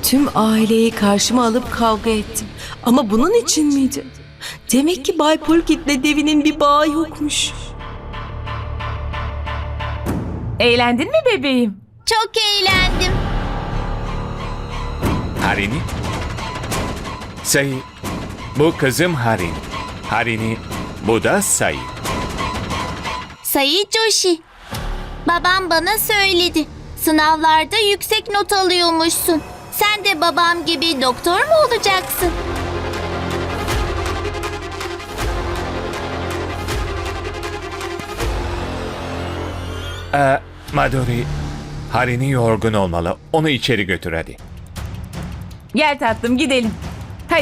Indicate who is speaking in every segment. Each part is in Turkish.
Speaker 1: tüm aileyi karşıma alıp kavga ettim. Ama bunun için miydi? Demek ki Bay Pulkit'le Devi'nin bir bağı yokmuş.
Speaker 2: Eğlendin mi bebeğim?
Speaker 3: Çok eğlendim.
Speaker 4: Harini? Sayı, bu kızım Harini. Harini, bu da Sayı.
Speaker 3: Sayı Joshi. Babam bana söyledi. Sınavlarda yüksek not alıyormuşsun. Sen de babam gibi doktor mu olacaksın?
Speaker 4: Madhuri, Harini yorgun olmalı. Onu içeri götür hadi.
Speaker 2: Gel tatlım gidelim. Hadi.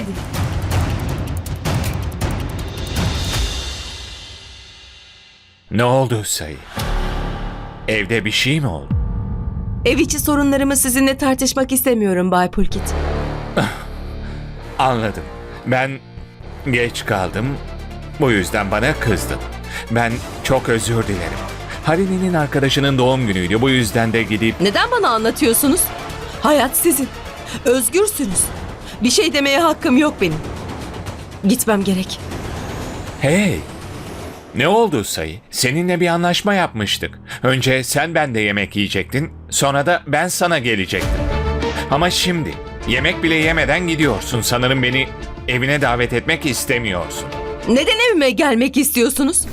Speaker 4: Ne oldu Sayı? Evde bir şey mi oldu?
Speaker 1: Ev içi sorunlarımı sizinle tartışmak istemiyorum Bay Pulkit.
Speaker 4: Anladım. Ben geç kaldım. Bu yüzden bana kızdın. Ben çok özür dilerim. Harini'nin arkadaşının doğum günüydü. Bu yüzden de gidip...
Speaker 1: Neden bana anlatıyorsunuz? Hayat sizin. Özgürsünüz. Bir şey demeye hakkım yok benim. Gitmem gerek.
Speaker 4: Hey! Ne oldu Sayı? Seninle bir anlaşma yapmıştık. Önce sen bende yemek yiyecektin. Sonra da ben sana gelecektim. Ama şimdi yemek bile yemeden gidiyorsun. Sanırım beni evine davet etmek istemiyorsun.
Speaker 1: Neden evime gelmek istiyorsunuz?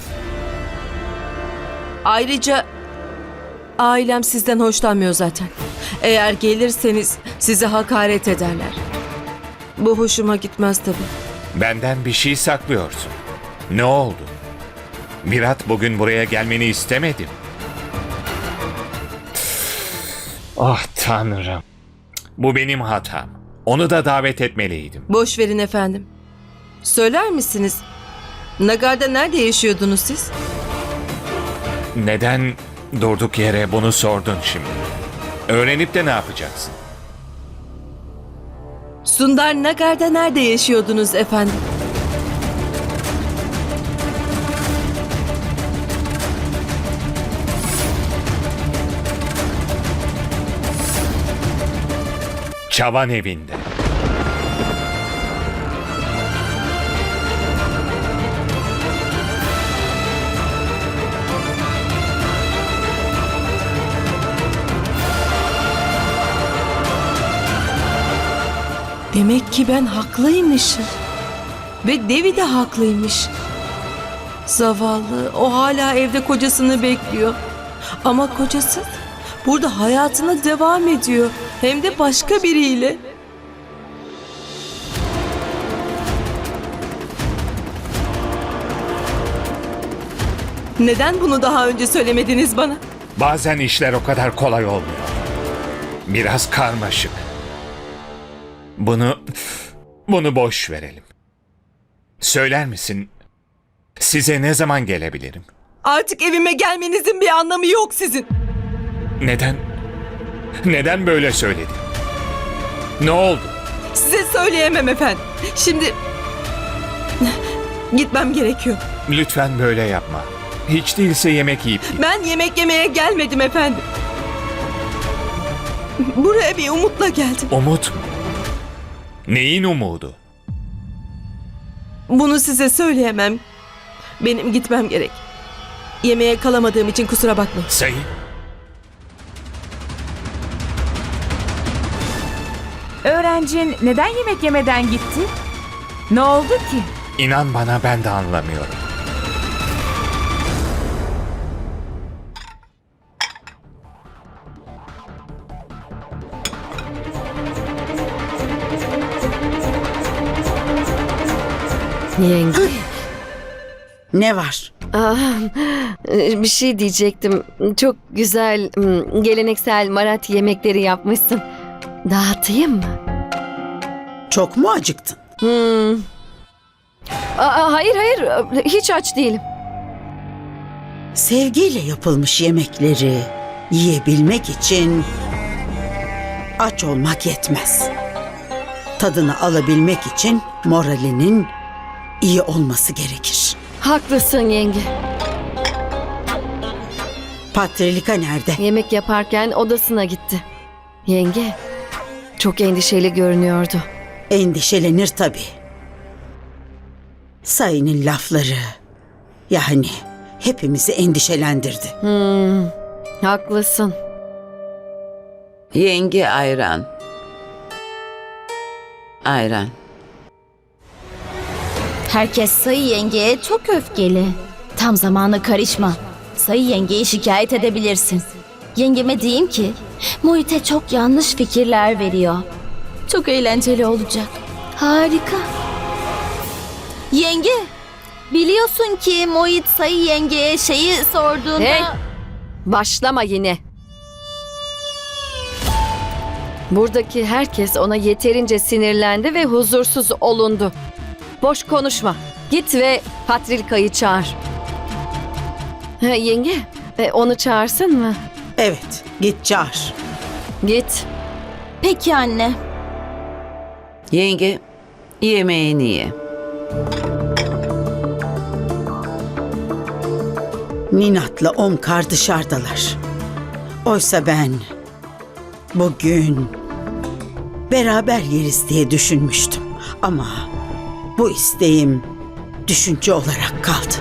Speaker 1: Ayrıca ailem sizden hoşlanmıyor zaten. Eğer gelirseniz size hakaret ederler. Bu hoşuma gitmez tabii.
Speaker 4: Benden bir şey saklıyorsun. Ne oldu? Virat bugün buraya gelmeni istemedim. Ah Tanrım. Bu benim hatam. Onu da davet etmeliydim.
Speaker 1: Boş verin efendim. Söyler misiniz? Nagar'da nerede yaşıyordunuz siz?
Speaker 4: Neden durduk yere bunu sordun şimdi? Öğrenip de ne yapacaksın?
Speaker 1: Sundar Nagar'da nerede yaşıyordunuz efendim?
Speaker 4: Çavan evinde.
Speaker 1: Demek ki ben haklıymışım. Ve Devi de haklıymış. Zavallı, o hala evde kocasını bekliyor. Ama kocası burada hayatına devam ediyor. Hem de başka biriyle. Neden bunu daha önce söylemediniz bana?
Speaker 4: Bazen işler o kadar kolay olmuyor. Biraz karmaşık. Bunu boş verelim. Söyler misin? Size ne zaman gelebilirim?
Speaker 1: Artık evime gelmenizin bir anlamı yok sizin.
Speaker 4: Neden? Neden böyle söyledin? Ne oldu?
Speaker 1: Size söyleyemem efendim. Şimdi gitmem gerekiyor.
Speaker 4: Lütfen böyle yapma. Hiç değilse yemek yiyip git.
Speaker 1: Ben yemek yemeye gelmedim efendim. Buraya bir umutla geldim.
Speaker 4: Umut mu? Neyin umudu?
Speaker 1: Bunu size söyleyemem. Benim gitmem gerek. Yemeğe kalamadığım için kusura bakmayın.
Speaker 4: Sayı.
Speaker 2: Öğrencin neden yemek yemeden gitti? Ne oldu ki?
Speaker 4: İnan bana ben de anlamıyorum.
Speaker 5: Yenge.
Speaker 6: Ne var?
Speaker 5: Bir şey diyecektim. Çok güzel geleneksel Marathi yemekleri yapmışsın. Dağıtayım mı?
Speaker 6: Çok mu acıktın?
Speaker 5: Hayır hiç aç değilim.
Speaker 6: Sevgiyle yapılmış yemekleri yiyebilmek için aç olmak yetmez. Tadını alabilmek için moralinin iyi olması gerekir.
Speaker 5: Haklısın yenge.
Speaker 6: Patrilika nerede?
Speaker 5: Yemek yaparken odasına gitti. Yenge, çok endişeli görünüyordu.
Speaker 6: Endişelenir tabii. Sayının lafları yani hepimizi endişelendirdi.
Speaker 5: Haklısın.
Speaker 7: Yenge ayran. Ayran.
Speaker 8: Herkes Sayı yengeye çok öfkeli. Tam zamanı karışma. Sayı yengeyi şikayet edebilirsin. Yengeme diyeyim ki Muhit'e çok yanlış fikirler veriyor. Çok eğlenceli olacak. Harika. Yenge, biliyorsun ki Muhit Sayı yengeye şeyi sorduğunda...
Speaker 5: Hey! Başlama yine. Buradaki herkes ona yeterince sinirlendi ve huzursuz olundu. Boş konuşma. Git ve Patrilika'yı çağır. Yenge, onu çağırsın mı?
Speaker 6: Evet, git çağır.
Speaker 5: Git.
Speaker 8: Peki anne.
Speaker 7: Yenge, yemeğini ye.
Speaker 6: Ninat'la Omkar dışarıdalar. Oysa ben bugün beraber yeriz diye düşünmüştüm. Ama bu isteğim düşünce olarak kaldı.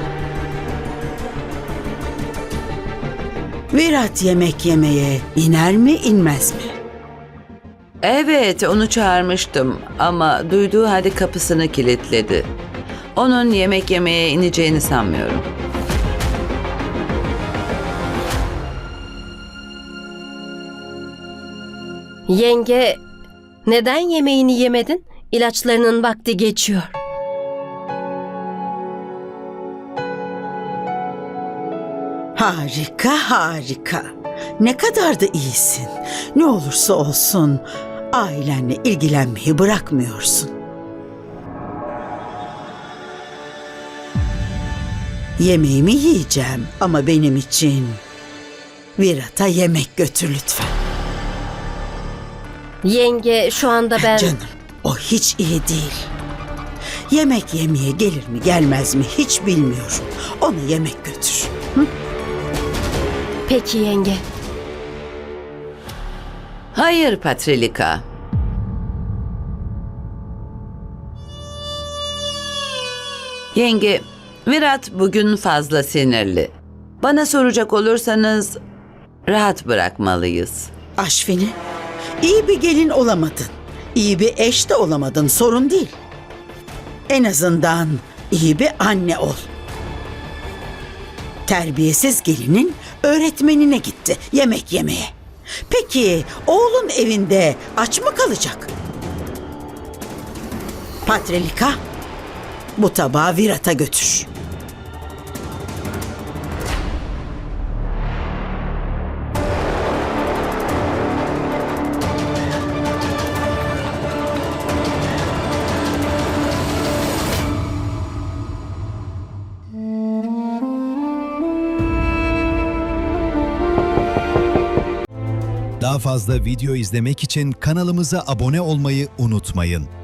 Speaker 6: Virat yemek yemeye iner mi inmez mi?
Speaker 7: Evet, onu çağırmıştım ama duyduğu halde kapısını kilitledi. Onun yemek yemeye ineceğini sanmıyorum.
Speaker 9: Yenge, neden yemeğini yemedin? İlaçlarının vakti geçiyor.
Speaker 6: Harika, harika. Ne kadar da iyisin. Ne olursa olsun ailenle ilgilenmeyi bırakmıyorsun. Yemeğimi yiyeceğim ama benim için Virat'a yemek götür lütfen.
Speaker 9: Yenge, şu anda ben...
Speaker 6: Canım, o hiç iyi değil. Yemek yemeye gelir mi gelmez mi hiç bilmiyorum. Ona yemek götür.
Speaker 9: Peki yenge.
Speaker 7: Hayır Patrilika. Yenge, Virat bugün fazla sinirli. Bana soracak olursanız rahat bırakmalıyız.
Speaker 6: Aşfini, iyi bir gelin olamadın. İyi bir eş de olamadın, sorun değil. En azından iyi bir anne ol. Terbiyesiz gelinin öğretmenine gitti yemek yemeye. Peki oğlun evinde aç mı kalacak? Patrilika, bu tabağı Virat'a götür.
Speaker 10: Daha fazla video izlemek için kanalımıza abone olmayı unutmayın.